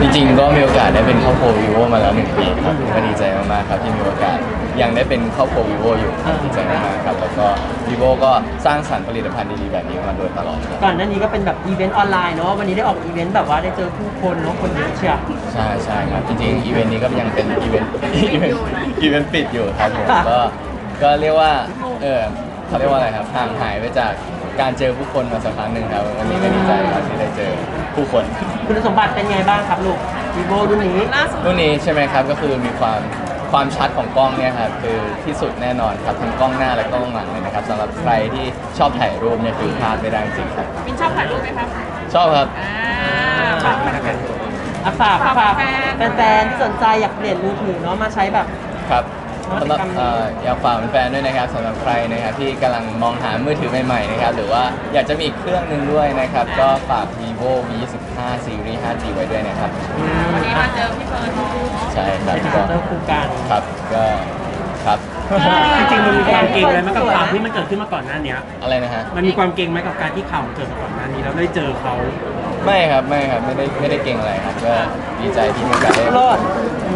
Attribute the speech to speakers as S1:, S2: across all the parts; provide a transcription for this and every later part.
S1: จริงๆก็มีโอกาสได้เป็นครอบครัววิโวมาแล้ว1 ปีครับก็ดีใจมากๆครับที่มีโอกาสยังได้เป็นครอบครัววิโวอยู่ครับดีใจมากๆครับแล้วก็วิโวก็สร้างสรรค์ผลิตภัณฑ์ดีๆแบบนี้มาโดยตลอดครับ
S2: ก่อนหน้านี้ก็เป็นแบบอีเวนต์ออนไลน์เนาะวันนี้ได้ออกอีเวนต์แบบว่าได้เจอผู้คนเนาะคนเยอะเชียว
S1: ใช่ครับจริงๆอีเวนต์นี้ก็ยังเป็นอีเวนต์อีเวนต์ปิดอยู่ครับผมก็เรียกว่าเขาเรียกว่าอะไรครับห่างหายไปจากการเจอผู้คนมาสักพักหนึ่งครับวันนี้ก็ดีใจครับที่ได้เจอผู้คน
S2: คุณสมบัติเป็นไงบ้างครับลูกวีโวรุ่นนี้
S1: รุ่นนี้ใช่ไหมครับก็คือมีความชัดของกล้องเนี่ยครับคือที่สุดแน่นอนครับทั้งกล้องหน้าและกล้องหลังเลยนะครับสำหรับใครที่ชอบถ่ายรูปเนี่ยคือพลาดไม่ได้จริงครับ
S3: มินชอบถ่ายรูปไหมครับ
S1: ชอบครับ
S3: ฝาก
S2: ฝากแฟนๆที่สนใจอยากเปลี่ยนมือถือเนาะมาใช้แบบ
S1: ครับสำหรับอยากฝากแฟนๆด้วยนะครับสำหรับใครนะครับที่กำลังมองหามือถือใหม่ๆนะครับหรือว่าอยากจะมีอีกเครื่องหนึ่งด้วยนะครับก็ฝาก vivo V25 Series 5G ไว้ด้วยนะครับ
S3: วันนี้มาเจอพี่เฟิร์นเนาะ
S1: ใช่ครับ
S2: เป็นการเจอคู่กัน
S1: ครับก็ครับ
S4: จริงๆมันมีความเก่งอะไรไหมกับข่าวที่มันเกิดขึ้นมาก่อนหน้านี้
S1: อะไรนะฮะ
S4: มันมีความเก่งไหมกับการที่ข่าวมันเกิดมาก่อนหน้านี้แล้วได้เจอเขา
S1: ไม่ครับไม่ได้เก่งอะไรครับก็ดีใจที่มีโอกาสได้
S2: รอด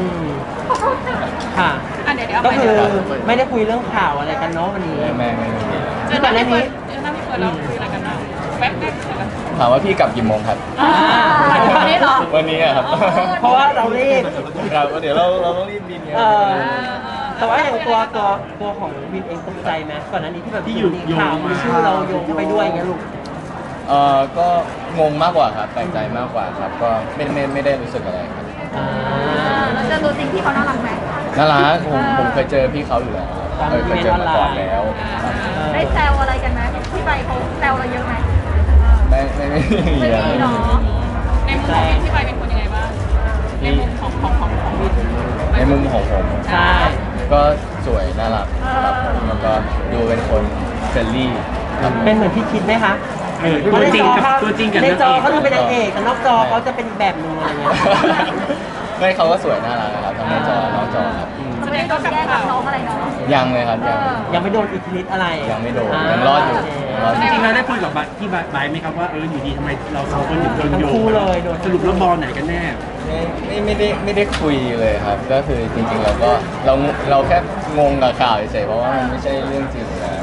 S2: ค่ะ
S3: เดี๋ยว
S2: ก็คือไม่ได้คุยเรื่องข่าวอะไรกันเนาะวันนี้
S1: ไม่
S2: ที่ก่อนหน้านี้
S3: นั่งพี่เฟิร์นเราคุยอะไรกันบ้างแป๊บนึง
S1: ถามว่าพี่กลับกี่โมงครับ
S3: วันนี้เหรอ
S1: วันนี้ครับ
S2: เพราะว่าเรารีบ
S1: ครับเดี๋ยวเราต้องรีบบินเนี่ย
S2: แต่ว่าอย่างตัวของวินเองตกใจไหมก่อนหน้านี้ที่แบบที่อยู่ข่าวมีชื่อเราโยงเข้าไปด้วยอย่างเงี้ยลูก
S1: ก็งงมากกว่าครับแปลกใจมากกว่าครับก็ไม่ได้รู้สึกอะไรครับ
S3: แล้วเจอตัวจริงพี่เขาน่ารักไหม
S1: น่ารักผมเคยเจอพี่เขาอยู่แล้วเคยเจอมาก่อนแล้ว
S3: ได้แซวอะไรกันไหมพี่ใบเขาแซวเราเยอะไหม
S1: ไม่
S3: เนาะในมุมของพี่ใบเป็นคนยังไงบ้างในมุมของ
S1: ในมุมของผม
S2: ใช่
S1: ก็สวยน่ารักครับแล้วก็ดูเป็นคนเฟรนลี่
S2: เป็นเหมือนที่คิดไหมคะ
S4: ตัวจริงกับ
S2: ในจอเขาจะเป็นนางเอกแต่นอกจอเขาจะเป็นอีกแบบนึงอะไรเงี้ย
S1: ไม่เขาก็สวยน่ารักนะครับทั้งในจอนอกจอครับ
S3: ไม่ได้โดนแย่งกับน้องอะไรเนาะ
S1: ยังเลยครับ
S2: ยังไม่โดนอิทธิฤทธิ์อะไร
S1: ยังไม่โดนยังรอดอยู่
S4: จริงๆเราได้คุยกับที่ไบไหมครับว่าอยู่ดีทำไมเราสองคนถึงโดนโยงสรุปแล้วบอลไหนกันแน่
S1: ไม่ได้คุยเลยครับก็คือจริงๆเราแค่งงกับข่าวเฉยๆเพราะว่ามันไม่ใช่เรื่องจริงแล้ว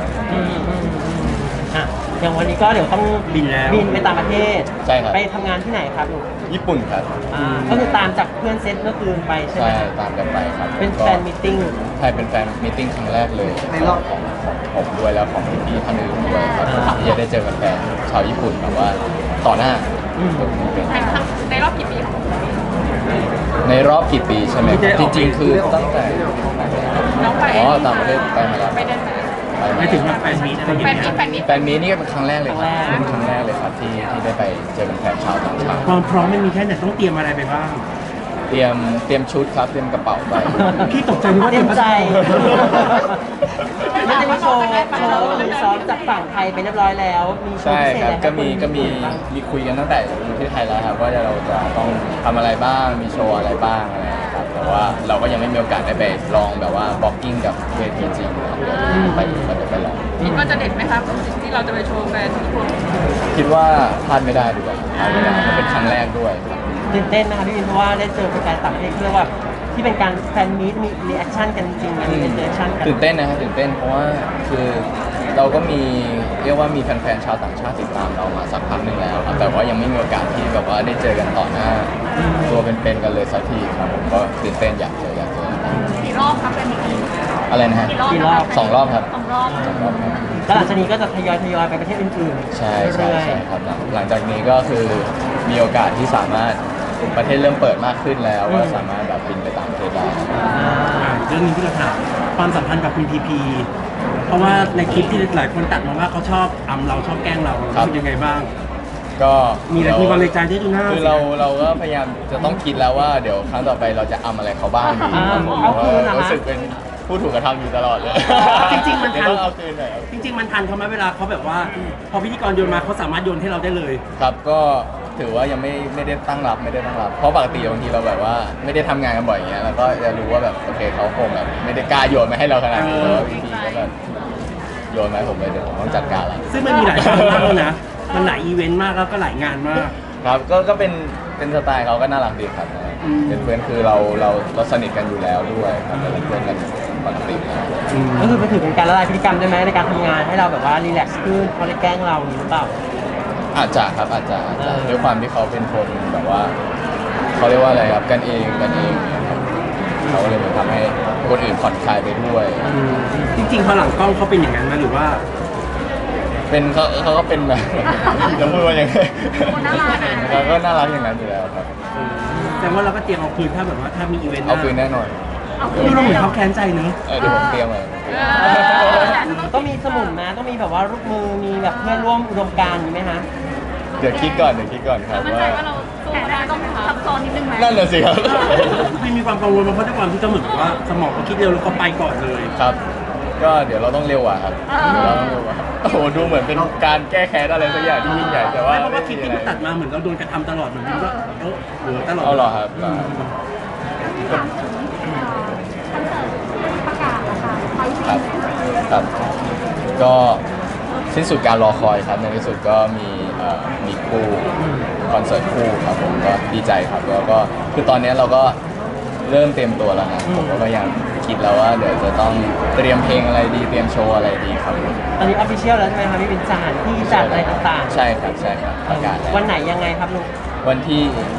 S2: อย่างวันนี้ก็เดี๋ยวต้อง
S4: บิน
S2: ไปต่างประเทศ
S1: ใช่ครับ
S2: ไปทำงานที่ไหนครับลูก
S1: ญี่ปุ่นครับ
S2: ก็คือตามจากเพื่อนเซตเมื่อคืนไปใช่ไหม
S1: ตามกันไปครับ
S2: เป็นแฟนมิทติ้ง
S1: ใช่เป็นแฟนมิทติ้งครั้งแรกเลยในรอบของผมด้วยแล้วของพี่ท่านอื่นด้วยครับที่จะได้เจอแฟนชาวญี่ปุ่นแบบว่าต่อหน้า
S3: ในรอบกี่ปี
S1: ในรอบกี่ปีใช่ไหมจริงๆคือตั้งแต่
S3: น้องไป
S1: ต่างประเทศไปมาแล้ว
S4: ไม่ถึงแฟนมีอะไรอย่างเงี้ย
S1: แฟนมีนี่ก็เป็นครั้งแรกเลยครับเป็นครั้งแรกเลยครับที่ได้ไปเจอแฟนชาวต่างชาติ
S4: ความพร้อมไม่มีแค่ไหนต้องเตรียมอะไรไปบ้าง
S1: เตรียมชุดครับเตรียมกระเป๋าไป
S4: พี่ตกใจว่า
S2: เตรียมใจไม่ได้มีโชว์มีซ้อมจากฝั่งไทยไปเรียบร้อยแล้วมีโชว์พิเศษอะไร
S1: ก็มีคุยกันตั้งแต่อยู่ที่ไทยแล้วครับว่าเราจะต้องทำอะไรบ้างมีโชว์อะไรบ้างอะไรครับแต่ว่าเราก็ยังไม่มีโอกาสได้ไปลองแบบว่าบล็อกกิ้งกับเวทีจริงครับไปลอง
S3: คิดว่าจะเด็ดไหมครับที่เราจะไปโชว์แฟนทุกคน
S1: คิดว่าพลาดไม่ได้ดีกว่าพลาดไม่ได้มันเป็นครั้งแรกด้วยครับ
S2: ตื่นเต้นนะคะพี่วินเพราะว่าได้เจอแฟนต่างประเทศเพื่อว่าที่เป็นการแฟนมีตมีรีแอคชั่นกันจริงมีรีแอคชั่นกัน
S1: ตื่นเต้นนะครับตื่นเต้นเพราะว่าคือเราก็มีเรียกว่ามีแฟนๆชาวต่างชาติติดตามเรามาสักพักหนึ่งแล้วครับแต่ว่ายังไม่มีโอกาสที่แบบว่าได้เจอกันต่อหน้าตัวเป็นๆกันเลยสักทีครับผมก็ตื่นเต้นอยากเจอ
S3: กี่รอบครับเป็น
S1: อะไรนะฮะ
S2: กี่รอบ
S1: 2 รอบครับ
S3: 2 รอบ
S2: แล้วหลังจากนี้ก็จะทยอยไปประเทศอื่น
S1: ๆใช่ครับหลังจากนี้ก็คือมีโอกาสที่สามารถประเทศเริ่มเปิดมากขึ้นแล้วก็สามารถแบบบินไปต่างประเทศได้
S4: เรื่องนี้ที่เราถามความสัมพันธ์กับคุณพีพีเพราะว่าในคลิปที่หลายคนตัดมาว่าเขาชอบเราชอบแกล้งเราเป็นยังไงบ้าง
S1: ก็
S4: มีความในใจที่ดูหน้า
S1: คือเราก็พยายามจะต้องคิดแล้วว่าเดี๋ยวครั้งต่อไปเราจะอะไรเขาบ้างดีรู้สึกเป็นผู้ถูกกระทำอยู่ตลอดเลย
S4: จริงๆมันทัน
S1: เอาคืนหน่อย
S4: จริงๆมันทันเขาไหมเวลาเขาแบบว่าพอพิธีกรโยนมาเขาสามารถโยนให้เราได้เลย
S1: ครับก็ถือว่ายังไม่ได้ตั้งรับเพราะปกติบางทีเราแบบว่าไม่ได้ทำงานกันบ่อยอย่างเงี้ยแล้วก็จะรู้ว่าแบบโอเคเขาคงแบบไม่ได้กล้าโยนมาให้เราขนาดนี้แล้ววิธีก็แบบโยนมาให้ผมเลยเดี๋ยวผมต้องจัดการแล้ว
S4: ซึ่งมันมีหลายครั้งมากแล้วนะมันหลายอีเวนต์มากแล้วก็หลายงานมาก
S1: ครับก็เป็นสไตล์เขาก็น่ารักดีครับเป็นเพื่อนคือเราสนิทกันอยู่แล้วด้วยครับเป็นเพื่อนกันปกติแล้ว
S2: ก็คือไปถือเป็นการละลายพฤติกรรมได้ไหมในการทำงานให้เราแบบว่ารีแลกซ์ขึ้นเขาได้แกล้งเราหรือเปล่า
S1: อาจจะครับอาจจะด้วยความที่เขาเป็นคนแบบว่าเขาเรียกว่าอะไรครับกันเองเนี่ยครับเขาเลยเหมือนทำให้คนอื่นผ่อนคลายไปด้วย
S4: จริงๆพอหลังกล้องเขาเป็นอย่างนั้นไหมหรือว่า
S1: เป็นเขาก็เป็นแบบจะพูดว่ายังไง
S3: คนน่ารักอะ
S1: เขาก็น่ารักอย่างนั้นอยู่แล้วครับ
S4: แสดงว่าเราก็เตรียมเอาคืนถ้าแบบว่าถ้ามีอีเวนต์ห
S1: เอา
S4: น้า
S1: คืนแน่นอน
S4: ดูเราเหมือนเขาแค้นใจเนอะ
S1: เดี๋ยวผมเตรียมไว้
S2: ต้องมีสมุนนะต้องมีแบบว่าลูกมือมีแบบเพื่อนร่วมอุดมการณ์มีไหมฮะ
S1: เดี๋ยวคิดก่อนครับ
S3: มั่นใจ
S1: ว่า
S3: ว่าเราสู้ได้ต้องซับซ้อนนิดนึงไหม
S1: นั่นแหละสิครับ
S4: ไม่มีความกังวลมาเพราะด้วยความที่เขาเหมือนกับว่าสมองเขาคิดเร็วแล้วเขาไปก่อนเลย
S1: ครับ ก็เดี๋ยวเราต้องเร็วอ่ะครับเดี๋ยวเราต้องเร็วอ่ะครับโอ้โหดูเหมือนเป็นการแก้แค้นอะไรสักอย่างที่ยิ่งใหญ่แต่ว่า
S4: ไม่เพราะว่าคลิป
S1: ไม่
S4: ที่
S1: มี
S4: มัน
S1: อะไร
S4: ตัดมาเหมือนเราโดนกระทำตลอดเหมือนว่าเหลือตลอด
S1: เอาเหรอครับ
S3: ประกาศนะคะไป
S1: ครับครับ ก็สิ้นสุดการรอคอยครับในที่สุดก็มีคู่คอนเสิร์ตคู่ครับผมก็ดีใจครับแล้วก็คือตอนนี้เราก็เริ่มเตรียมตัวแล้วนะผมก็พยายามคิดแล้วว่าเดี๋ยวจะต้องเตรียมเพลงอะไรดีเตรียมโชว์อะไรดีครับ
S2: ตอนนี้ออฟฟิเชียลแล้วใช่ไหมครับพี่เป็นสถานที่จัดอะไรต่างๆ
S1: ใช่ครับประกาศแล้ว
S2: วันไหนยังไงครับลูก
S1: วันที่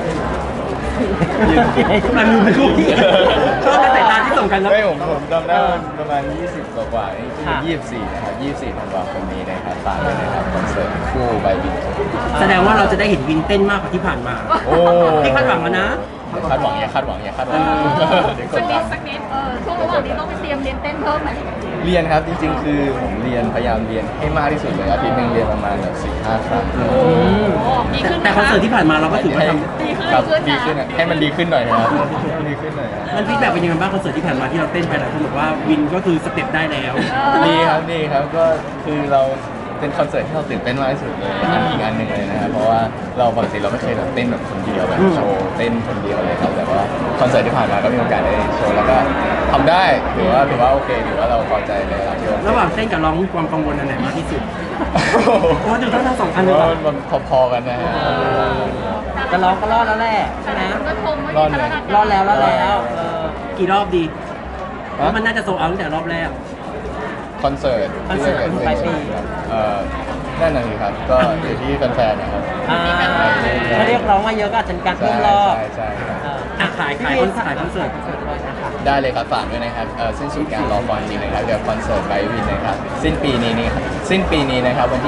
S4: มันมีคู่ที่ชอบในสายตาที่ส่งกันแล้ว
S1: ไม่ผมจำได้ว่าประมาณ 20 กว่านี่คือ24นะครับ24ธันวาคมนี้นะครับฝากด้วยนะครับคอนเสิร์ตคู่ใบบิน
S4: แสดงว่าเราจะได้เห็นวินเต้นมากกว่าที่ผ่านมา
S1: โอ้
S4: พี่คาดหวังแล้วนะ
S1: คาดหวังอย่าคาดหวังเดี๋ยวก
S3: สั
S1: ด
S3: ก
S1: ดั
S3: นิ
S1: น
S3: ดช่วงระหว่างนี้ต้องไปเตรียมเรียนเต้นเพิ่มไหม
S1: เรียนครับจริงๆ คือผมพยายามเรียนให้มากที่สุดเลยอาทิตย์หนึงเรียนประมาณแบบ4-5 ครั้ง
S3: ดีขึ้น
S4: แต่คอนเสิร์ตที่ผ่านมาเราก็ถือว่าท
S1: ครับดีขึ้นอะให้มันดีขึ้นหน่อยนะครับดีขึ้นหน่อยนะ
S4: ำมันฟีดแบ็กเป็นยังไงบ้างคอนเสิร์ตที่ผ่านมาที่เราเต้นไปหลายคนบอกว่าวินก็คือสเต็ปได้แล้ว
S1: ดีครับก็คือเราเป็นคอนเสิร์ตที่เราตื่นเต้นมากที่สุดเลยอีกอันหนึ่งเลยนะครับเพราะว่าเราปกติเราไม่เคยแบบเต้นแบบคนเดียวแบบโชว์เต้นคนเดียวเลยครับแต่ว่าคอนเสิร์ตที่ผ่านมาก็มีโอกาสได้โชว์แล้วก็ทำได้ถือว่าโอเคถือว่าเราพอใจเลยครับที่ว่า
S4: ระหว่างเต้นกับร้องมีความกังวลอันไหนมากที่สุดเพราะว่าดูทั้งสองอันเลย
S1: ก็มันพอๆกันนะฮะ
S2: จะร้องก็รอดแล้วแหละใช่ไหม
S3: ก็ชมว่ามีพัฒนาการ
S2: รอดแล้ว
S4: กี่รอบดีเพราะมันน่าจะโซเอาตั้งแต่รอบแรก
S1: คอนเสิร์ตที่จะเกิดขึ้นนั่นน่ะสิครับก็อยู่ที่แฟนๆนะครับ
S2: ถ้าเรียกร้องมาเยอะก็อาจจะมีการเพิ่มรอบ
S1: ใช่
S4: ขายคอนเสิร์ต
S2: ด้วยนะคะ
S1: ได้เลยครับฝากด้วยนะครับสิ้นสุดการรอคอยจริงนะครับเดี๋ยวคอนเสิร์ตไบวินนะครับสิ้นปีนี้นะครับวันที่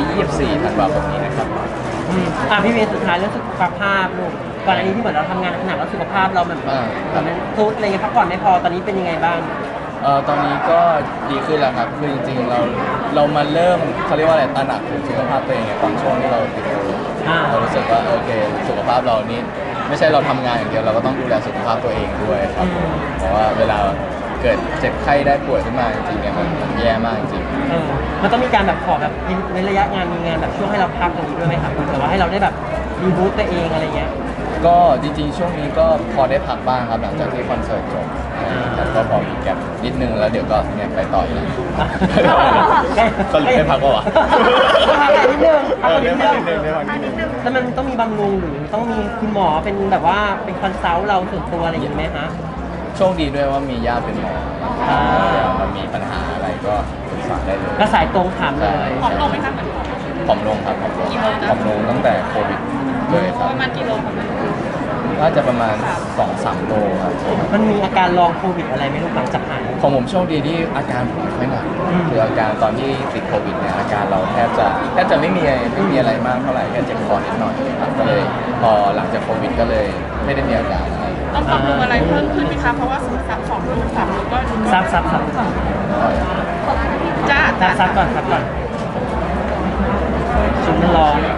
S1: 24 ธันวาคมนี้นะครับ
S2: พี่เวย์สุดท้ายเรื่องสุขภาพลูกก่อนอันนี้ที่เหมือนเราทำงานหนักแล้วสุขภาพเราแบบมันทุดอะไรเงี้ยพักผ่อนไม่พอตอนนี้เป็นยังไงบ้าง
S1: ตอนนี้ก็ดีขึ้นแล้วครับคือจริงๆเรามาเริ่มเขาเรียกว่าอะไรตระหนักถึงสุขภาพตัวเองเนี่ยตอนช่วงที่เราติดโควิดเรารู้สึกว่าโอเคสุขภาพเรานี่ไม่ใช่เราทำงานอย่างเดียวเราก็ต้องดูแลสุขภาพตัวเองด้วยครับเพราะว่าเวลาเกิดเจ็บไข้ได้ป่วยขึ้นมาจริงๆเนี่ยมันแย่มากจริง
S2: มันต้องมีการแบบขอแบบในระยะงานมีงานแบบช่วงให้เราพักตรงนี้ด้วยไหมครับแต่ว่าให้เราได้แบบรีบูตตัวเองอะไรเงี้ย
S1: ก็จริงๆช่วงนี้ก็พอได้พักบ้างครับหลังจากที่คอนเสิร์ตจบครับก็พอมีแก็บนิดนึงแล้วเดี๋ยวก็เนี่ยไปต่ออีกสรุปได้พักปะวะ
S2: พักนิดนึงพักนิด
S1: ได้
S2: นึง
S1: พักนิดนึง
S2: แล้วมันต้องมีบำรุงหรือต้องมีคุณหมอเป็นแบบว่าเป็นคอนซัลท์เราส่วนตัวอะไรอย่างนี้ไหมฮะ
S1: โชคดีด้วยว่ามีญาติเป็นหมอมันมีปัญหาอะไรก็ปรึกษาได้เลย
S2: ก็สายตรงถามเลย
S3: ผอมลงไหมคะเหมือน
S1: ผอมลงครับผอมลงตั้งแต่โควิดเลยครับ
S3: ประมาณกิโลของมัน
S1: น่าจะประมาณ 2-3 โลครับ
S2: มันมีอาการลองโควิดอะไรไหมลูกหลังจากหาย
S1: ของผมโชคดีที่อาการผมไม่หนักคืออาการตอนที่ติดโควิดเนี่ยอาการเราแทบจะไม่มีอะไรมากเท่าไหร่แค่เจ็บคอนิดหน่อยครับก็เลยพอหลังจากโควิดก็เลยไม่ได้มีอาการอะไร
S3: ต้องปรับปรุงอะไรเพิ่มขึ้นไหมคะเพราะว่า2 ลูก 3 ลูกก็
S2: ซับ
S3: จ้า
S2: ซับก่อนชุดมันร้อน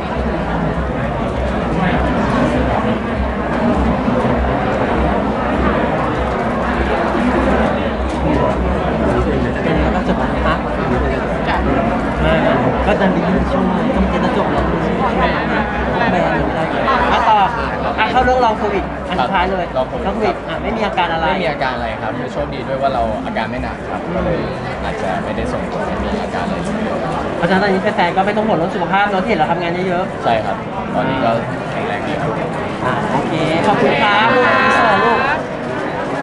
S2: แล้วก็จบแล้วนะคะก็ดันดีช่วงต้องเจนจบแล้วแบนอะไรต่อเข้าเข้าเรื่องลองโควิดอันสุดท้ายเลย
S1: ลองโควิด
S2: ลองโควิดไม่มีอาการอะไร
S1: ไม่มีอาการอะไรครับโชคดีด้วยว่าเราอาการไม่หนักครับก็เลยอาจจะไม่ได้ส่งผลให้มีอาการอะไรเลย
S2: เพราะฉะนั้นตอนนี้แฟนๆก็ไม่ต้องห่วงเรื่องสุขภาพเนาะที่เห็นเราทำงานเยอะ
S1: ใช่ครับ ตอนนี้ก็แข็งแรงดีครับ